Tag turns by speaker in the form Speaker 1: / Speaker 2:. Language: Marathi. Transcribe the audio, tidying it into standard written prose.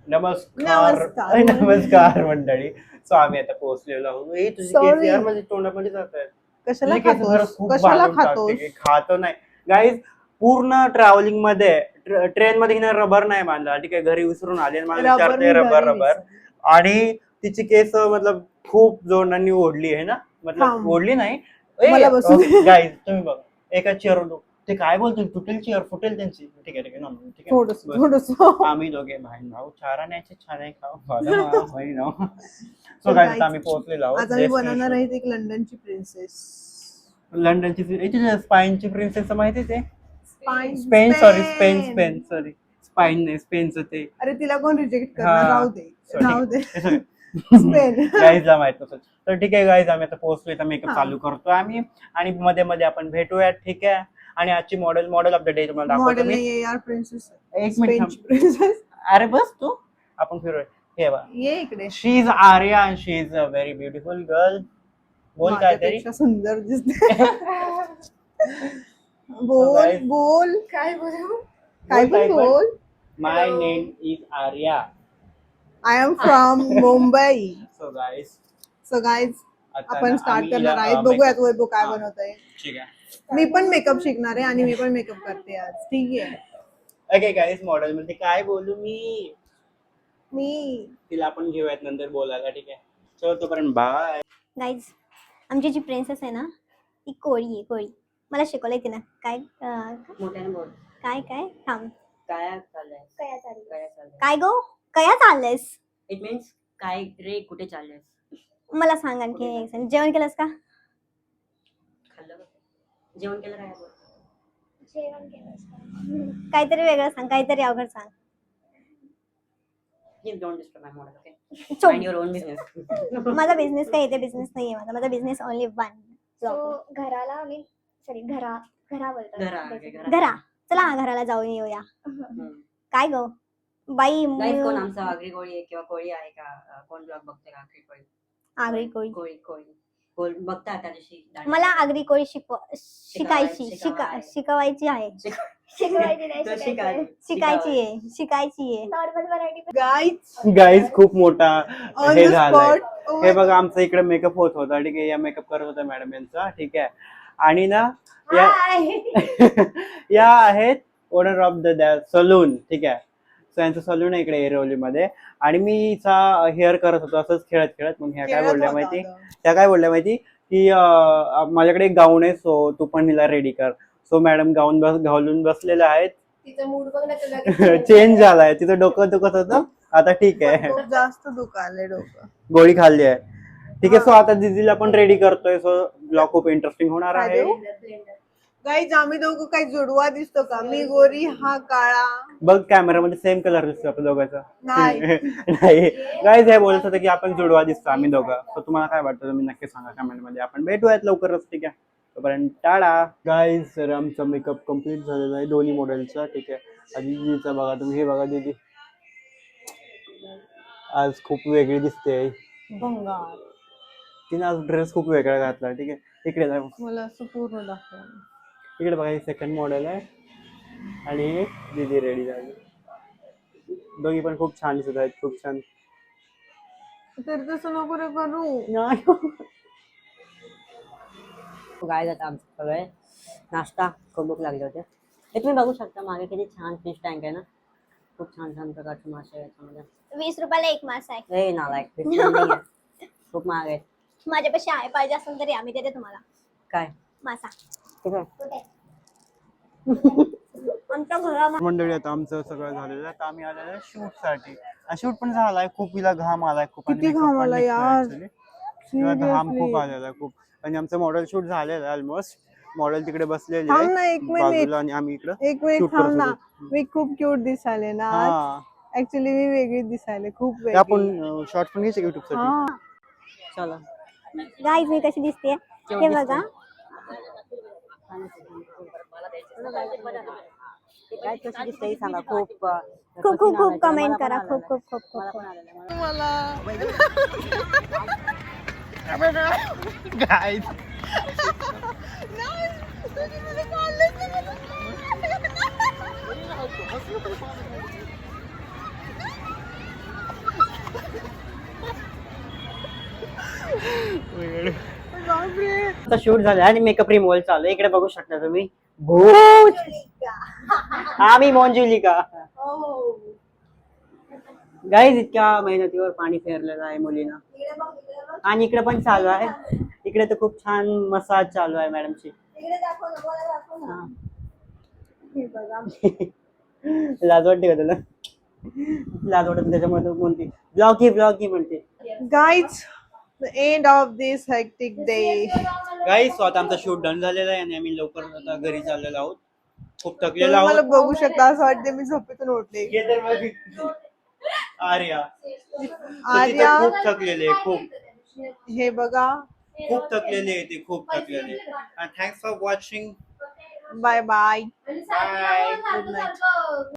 Speaker 1: नमस्कार मंडळी. सो आम्ही आता पोहोचलेलो आहोत. तुझी केस यार माझ्या तोंडामध्ये जात आहेत.
Speaker 2: कशाला खातोस?
Speaker 1: खातो नाही गाईज. पूर्ण ट्रॅव्हलिंग मध्ये ट्रेन मध्ये हिने रबर नाही बांधला. ठीक आहे, घरी विसरून आले मला विचारते रबर आणि तिची केस मतलब खूप जोरांनी ओढली आहे ना, मतलब ओढली नाही गाईज. तुम्ही बघा एका चेअरवर ते काय बोलतील, तुटेल चेअर फुटेल त्यांची. ठीक आहे ठीक आहे ठीक आहे. आम्ही दोघे बहीण भाऊ चाराण्याचे छान खाऊ. सो गाईज आम्ही पोहोचलेलो आहोत.
Speaker 2: आज आम्ही बनवणार आहेत एक लंडनची प्रिन्सेस.
Speaker 1: लंडनची स्पाइनची प्रिन्सेस माहिती आहे?
Speaker 2: स्पेन
Speaker 1: सॉरी स्पाइन नाही, स्पेनचं ते.
Speaker 2: अरे तिला कोण रिजेक्ट करणार, राहू दे स्पेन.
Speaker 1: गाईजला माहित नसेल तर ठीक आहे. गाईज आम्ही आता पोहोचलोय, तर मेकअप चालू करतोय आम्ही आणि मध्ये मध्ये आपण भेटूयात. ठीक आहे. आणि आजची मॉडेल ऑफ द डे तुम्हाला दाखवतो मी.
Speaker 2: यार प्रिन्सेस,
Speaker 1: एक मिनिट. अरे बस तू, आपण फिरूया. हे बघा,
Speaker 2: ये इकडे.
Speaker 1: She is Arya and she is a very beautiful girl. बोल काहीतरी.
Speaker 2: सुंदर दिसते. बोल काय बोल.
Speaker 1: My name is Arya.
Speaker 2: I am from Mumbai.
Speaker 1: So
Speaker 2: guys आपण स्टार्ट करणार आहे. बघूयात वैभव काय बनवतोय.
Speaker 1: ठीक आहे.
Speaker 2: मी पण मेकअप शिकणार आहे आणि मी पण मेकअप करते आज. ठीक आहे.
Speaker 1: ओके गाईज, मॉडेल मध्ये काय बोलू मी तिला आपण घेऊयात नंतर बोलायला. ठीक आहे, चलो तोपर्यंत बाय.
Speaker 3: गाईज आमची जी प्रिन्सेस आहे ना ती कोळी आहे. कोळी मला शिकवलंय तिनं. काय
Speaker 4: मोठ्याने बोल.
Speaker 3: काय थांब.
Speaker 4: काय चाललंय?
Speaker 3: काय गो कया चाललंयस?
Speaker 4: इट मीन्स काय रे, कुठे चाललंयस?
Speaker 3: मला सांग आणखी. जेवण केलंस का?
Speaker 4: खाल्लं का? जेवण केलं काय?
Speaker 3: काहीतरी वेगळं सांग, काहीतरी अवघड सांग.
Speaker 4: Please don't disturb my model, okay?
Speaker 3: चुप.
Speaker 4: Mind your own business.
Speaker 3: माझा बिझनेस काय, इथे बिझनेस नाहीये माझा बिझनेस ओनली वन.
Speaker 5: घराला आम्ही घरा बोलतो.
Speaker 3: घरा. चला घराला जाऊन येऊया. काय गो बाई.
Speaker 4: कोण आमचा आगरी कोळी आहे किंवा कोळी आहे का? कोण ब्लॉग बघते का? आगरी कोळी.
Speaker 3: आगरी कोळी
Speaker 4: कोळी बघता त्या दिवशी.
Speaker 3: मला आगरी कोळी शिकायची आहे. शिकायची आहे.
Speaker 5: Normal variety.
Speaker 1: गाईज खूप मोठा हे झालंय. हे बघा, आमचा इकडे मेकअप होत होता. ठीक आहे, या मेकअप करत होता मॅडम यांचा. ठीक आहे. आणि ना या आहेत ओनर ऑफ द सलून. ठीक आहे, सो यांचं सलून आहे इकडे एरवलीमध्ये. आणि मी हिचा हेअर करत होतो असंच खेळत. मग ह्या काय बोलल्या माहिती की माझ्याकडे एक गाऊन आहे, सो तू पण हिला रेडी कर. सो मॅडम गाऊन घालून बसलेले आहेत. चेंज झालाय. तिचं डोकं दुखत होतं, आता ठीक आहे.
Speaker 2: जास्त दुखायलंय डोकं,
Speaker 1: गोळी खाल्ली आहे. ठीक आहे. सो आता दीदीला पण रेडी करतोय. सो ब्लॉग खूप इंटरेस्टिंग होणार आहे.
Speaker 2: गाईज आम्ही दोघं काही जुडवा दिसतो का? मी गोरी, हा काळा.
Speaker 1: बघ कॅमेरामध्ये सेम कलर दिसतो आपल्या दोघांचा.
Speaker 2: नाही.
Speaker 1: गाईज हे बोलत होतं की आपण जुडवा दिसतो आम्ही दोघं. सो तुम्हाला काय वाटतं तुम्ही नक्की सांगा कमेंटमध्ये. आपण भेटूयात लवकरच. ठीक आहे, तोपर्यंत टाळा. गाईज सर आमचा मेकअप कम्प्लीट झालेला आहे दोन्ही मॉडेलचा. ठीक आहे. आधी दीदीचा बघा तुम्ही. हे बघा दीदी आज खूप वेगळी दिसते. तिने आज ड्रेस खूप वेगळा घातला. ठीक आहे, इकडे
Speaker 2: मला असं पूर्ण दाखव.
Speaker 1: इकडे बघा, ही सेकंड मॉडेल आहे आणि दीदी रेडी झाली. दोघी पण खूप छान दिसत आहेत, खूप छान.
Speaker 2: तर तसं नको रे करू.
Speaker 4: गाय जातं आमचं सगळे नाश्ता. खूप भूक लागले होते. हे तुम्ही बघू शकता मागे किती छान फिश टँक आहे ना. खूप छान प्रकारचे मासे आहेत याच्यामध्ये.
Speaker 3: 20 रुपयाला एक मासा आहे.
Speaker 4: हे नालायक, फिश टँक नाही आहे. खूप महाग आहेत.
Speaker 3: माझ्यापाशी आहे, पाहिजे असेल तरी आम्ही देते तुम्हाला.
Speaker 4: काय
Speaker 3: मासा
Speaker 4: ठीक आहे.
Speaker 3: आमच्या घरामध्ये
Speaker 1: मंडळी आता आमचं सगळं झालेलं आहे. आता आम्ही आलेलो आहे शूट साठी. शूट पण झालाय. खूप हिला घाम आलाय खूप.
Speaker 2: किती घाम आला यार.
Speaker 1: घाम खूप आलेला आहे खूप. आणि आमचं मॉडेल शूट झालेलं आहे ऑलमोस्ट. मॉडेल तिकडे बसलेले आहे बाजूला आणि आम्ही इकडे.
Speaker 2: एक मिनिट थांब ना. मी खूप क्यूट दिसायले ना. ऍक्च्युली मी वेगळी दिसायले, खूप वेगळी.
Speaker 1: आपण शॉर्ट पण घ्यायचे युट्यूब साठी.
Speaker 4: चला
Speaker 3: गाईज मी कशी दिसते हे बघा.
Speaker 4: काय कशी दिसते सांगा. खूप
Speaker 3: कमेंट करा. खूप
Speaker 1: गाईज
Speaker 4: आमचा शूट झाला आणि मेकअप रिमूव्हल चालू आहे. इकडे बघू शकता तुम्ही भूत आम्ही मोंजुलिका गाईज इतक्या मेहनतीवर पाणी फेरलेलं आहे मुलीनं. आणि इकडे पण चालू आहे. इकडे तर खूप छान मसाज चालू आहे मॅडमची. हा. लाज वाटते का तुला? लाज वाटत त्याच्यामुळे तू म्हणते ब्लॉगी म्हणते.
Speaker 2: Guys, the end of this hectic day.
Speaker 1: Guys so आता आमचा शूट डन झालेला आहे आणि आम्ही लवकर आता घरी चाललेलो आहोत. खूप थकलेलो
Speaker 2: तुम्ही मला
Speaker 1: आहोत.
Speaker 2: बघू शकता असं वाटते मी झोपेतून उठले.
Speaker 1: ये तर बघ. आर्या
Speaker 2: आर्या
Speaker 1: खूप थकलेले आहे, खूप
Speaker 2: हे बघा.
Speaker 1: खूप थकलेले आहे ते खूप थकलेले. Thanks for watching.
Speaker 2: Bye bye.
Speaker 1: Bye.
Speaker 2: Good night.